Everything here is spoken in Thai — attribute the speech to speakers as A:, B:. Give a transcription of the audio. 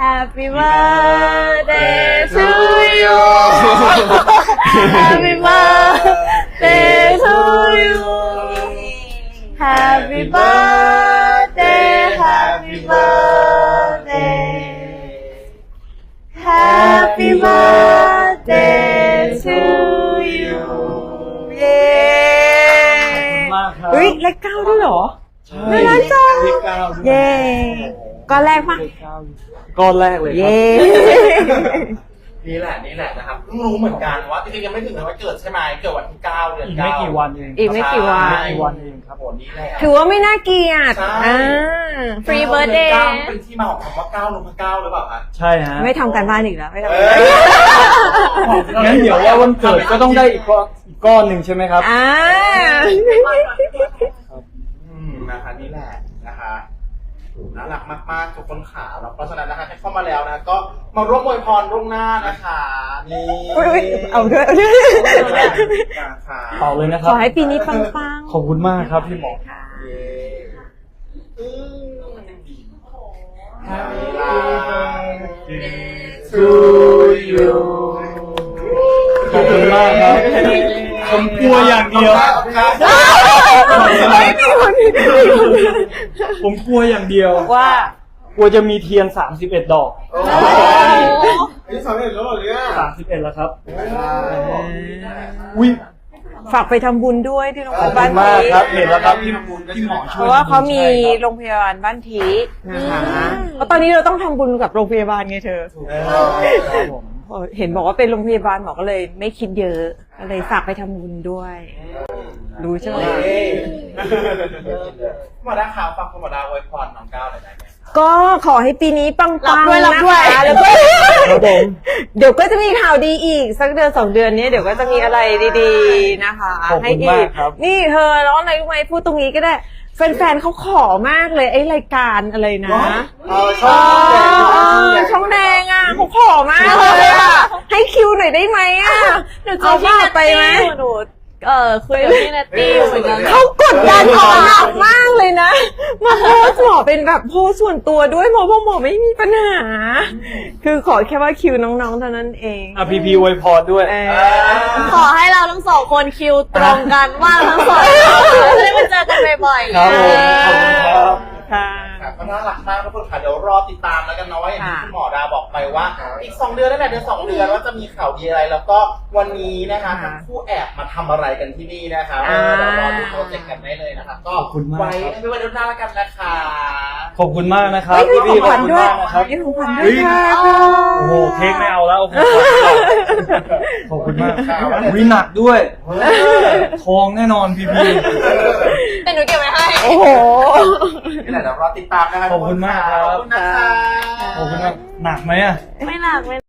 A: Happy birthday to you Happy birthday to you Happy birthday Happy birthday Happy birthday to you เย้
B: มากครับ
A: เฮ้ยเลขเก้าด้วยเหรอ
B: ใช่
A: น่ารักจัง
B: เลขเก้าด้วย
A: เย้ก้อนแรกปะ
B: เลขเก้าก้อนแรกเลยครับ
A: เย้
C: นี่แหละนะครับเพิ่งรู้เหมือนกันว่าจริงๆยังไม่ถึงวันเกิดใช่ไหมเกิดวันที่9 เดือน
B: อีก
C: 9
B: ไม่กี่วันเอง
A: อีกไม่กี่วัน
B: ไม่กี่วันเองครับ
C: โอ้นี่แหละ
A: ถือว่าไม่น่าเกลียด
C: ใช่
A: Free birthday
C: 9เป็นที่มาของคำว่า9 ลงมา 9หรือเปล่าคะ
B: ใช่ฮะ
A: ไม่ทำการบ้านอีกแล้วไม่ทำ
C: เอ
A: การบ้าน
B: งั้นเดี๋ยวว่าวันเกิดก็ต้องได้อีกก้อนหนึ่งใช่ไหมครับ
C: นะคะนี่แหละนะคะน่ารักมากๆทุกคนขาแล้วเพราะฉะนั้นนะคะใครเข้ามาแล้วนะก็มาร่วมอวยพรล่วงหน้านะคะนี่
A: เอาด้วย
C: นะคะ
B: เป่าเลยนะค
A: ข
B: รับ
A: อให้ปีนี้ปังๆ
B: ขอบคุณมากครับพี่หมอ
C: เย้to you
B: ขอบคุณมากครับ ผมกลัวอย่างเดียว ผมกลัวอย่างเดียว
A: ว่า
B: กลัวจะมีเทียน31 ดอก
C: โอ้ยนี่สำเร็จแล้วเหรอเนี่ย
B: 31แล้วครับอุ้ย
A: ฝากไปทำบุญด้วยที่โรงพ
B: ขอบ
A: ยาบา
B: คุ
A: ล
B: ณมากครับ
A: ที
B: เห็นแล้วครับพี่หมอ
A: เพ
B: ช่วย
A: ราะว่าเขามี
B: ใช่ครับ
A: โรงพยาบาลบ้านทีนะคะเพราะตอนนี้เราต้องทำบุญกับโรงพยาบาลไงเธอ
B: ครับผม
A: เห็นบอกว่าเป็นโรงพยาบาลหมอก็เลยไม่คิดเยอะก็เลยฝากไปทำบุญด้วย รู้ใช่ไหม
C: หมอดาขาวฝากคุณหมอดาอวยพรน้องก้าวหน่อยได้ไหม
A: ก็ขอให้ปีนี้ปังๆ
D: รับด้วย
A: นะคะแล้วก็
B: ครับผม
A: เดี๋ยวก็จะมีข่าวดีอีกสักเดือน2 เดือนนี้เดี๋ยวก็จะมีอะไรดีๆนะคะ
B: ขอบคุณมากครับ
A: นี่เธอร้องอะไรรู้ไหมพูดตรงนี้ก็ได้แฟนๆเขาขอมากเลยไอ้รายการอะไรนะ ช่องแดงอ่ะเขาขอมากเลยอ่ะให้คิวหน่อยได้ไหมอ่ะ
D: หนูเจ
A: เอา
D: อพี่
A: ว่า
D: นัต
A: ไปไหม
D: ตี้หนูคุยกับพี่นัตตี้เหมือนกัน
A: เขากดดันหมอหนักมากเลยนะมาโพสต์หมอเป็นแบบโพสต์ส่วนตัวด้วยหมอบอกหมอไม่มีปัญหา คือขอแค่ว่าคิวน้องๆเท่านั้นเอง
B: อ่ะพีอวยพรด้วย
D: ขอให้เราทั้งสองคนคิวตรงกันว่าทั้งสองจะได้มาเจอกันบ่อยๆ
B: ครับผมขอบคุณครับ
A: ค่ะ
C: ค่ะก็น่ารักมากทุกคนค่ะเดี๋ยวรอติดตามแล้วกันเนาะว่าอย่างที่คุณหมอดาบอกไปว่า อีก2 เดือนนั่นแหละเดือน2 เดือนว่าจะมีข่าวดีอะไรแล้วก็วันนี้นะคะทั้งคู่แอบมาทำอะไรกันที่นี่นะคะเดี๋ยวรอดูโปรเจกต์กันได้เลยนะคะก็
B: ขอบคุณมาก
C: ไว้
B: ครับ
C: ให้ไว้เดือนหน้าแล้วกันนะคะ
B: ขอบคุณมากนะครับ
A: เฮ้ยมี
B: พี่
A: ของ
B: ๆ
A: ข
B: ข
A: วั
B: อบ
A: ญ
B: คุณ
A: ด้วย
B: มากนะครับ
A: มีของขวัญด้วยค่ะ
B: โอ้โหเค้กไม่เอาแล้วเอาของขวัญดีกว่าขอบคุณมากวิหนักด้วย ทองแน่นอนพี
D: แต่หนูเก็บไว้ให้
A: โอ้โห
C: นี่แหละเดี๋ยวรอติดตามนะคะ
B: ขอบคุณมากครับ
C: ขอบคุณนะคะ
B: ขอบคุณมากหนักไหมอ่ะ
D: ไม่หนักไม่